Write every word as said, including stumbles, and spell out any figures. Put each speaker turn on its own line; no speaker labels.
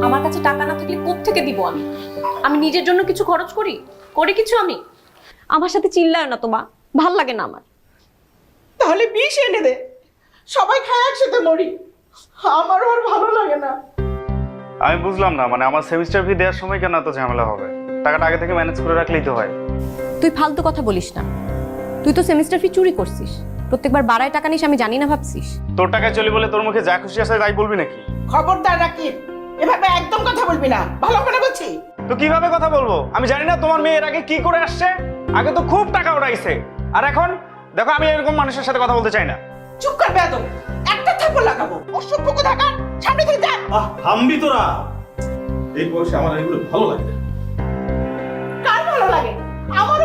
আমার কাছে টাকা না থাকলে কোত্থেকে দিব আমি? আমি নিজের জন্য কিছু খরচ করি? করি কিছু আমি? আমার সাথে চিল্লায় না তো মা, ভাল লাগে না আমার।
তাহলে বিষ এনে দে, সবাই খায় একসাথে মরি। আমারও আর ভালো লাগে না।
আমি বুঝলাম না, মানে আমার সেমিস্টার ফি দেওয়ার সময় কেন এত ঝামেলা হবে? টাকাটা আগে থেকে ম্যানেজ করে রাখলেই তো হয়।
তুই ফালতু কথা বলিস না। তুই তো সেমিস্টার ফি চুরি করছিস, প্রত্যেকবার বাড়ায় টাকা নিস আমি জানি না ভাবছিস।
তোর টাকায় চলি বলে তোর মুখে যা খুশি আসে তাই বলবি নাকি?
খবরদার রাকিব, এভাবে একদম কথা বলবি না, ভালো করে বলছি।
তো কিভাবে কথা বলবো? আমি জানি না তোমার মেয়ে এর আগে কি করে আসছে। আগে তো খুব টাকা উড়াইছে, আর এখন দেখো আমি এরকম মানুষের সাথে কথা বলতে চাই না।
চুপ কর বেয়াদব, একটা থাপ্পড় লাগাবো। অসভ্য কোথাকার, সামনে থেকে যা।
আহ থামবি তোরা। এই বয়সে আমার এগুলো ভালো লাগে না।
কার ভালো লাগে? আমার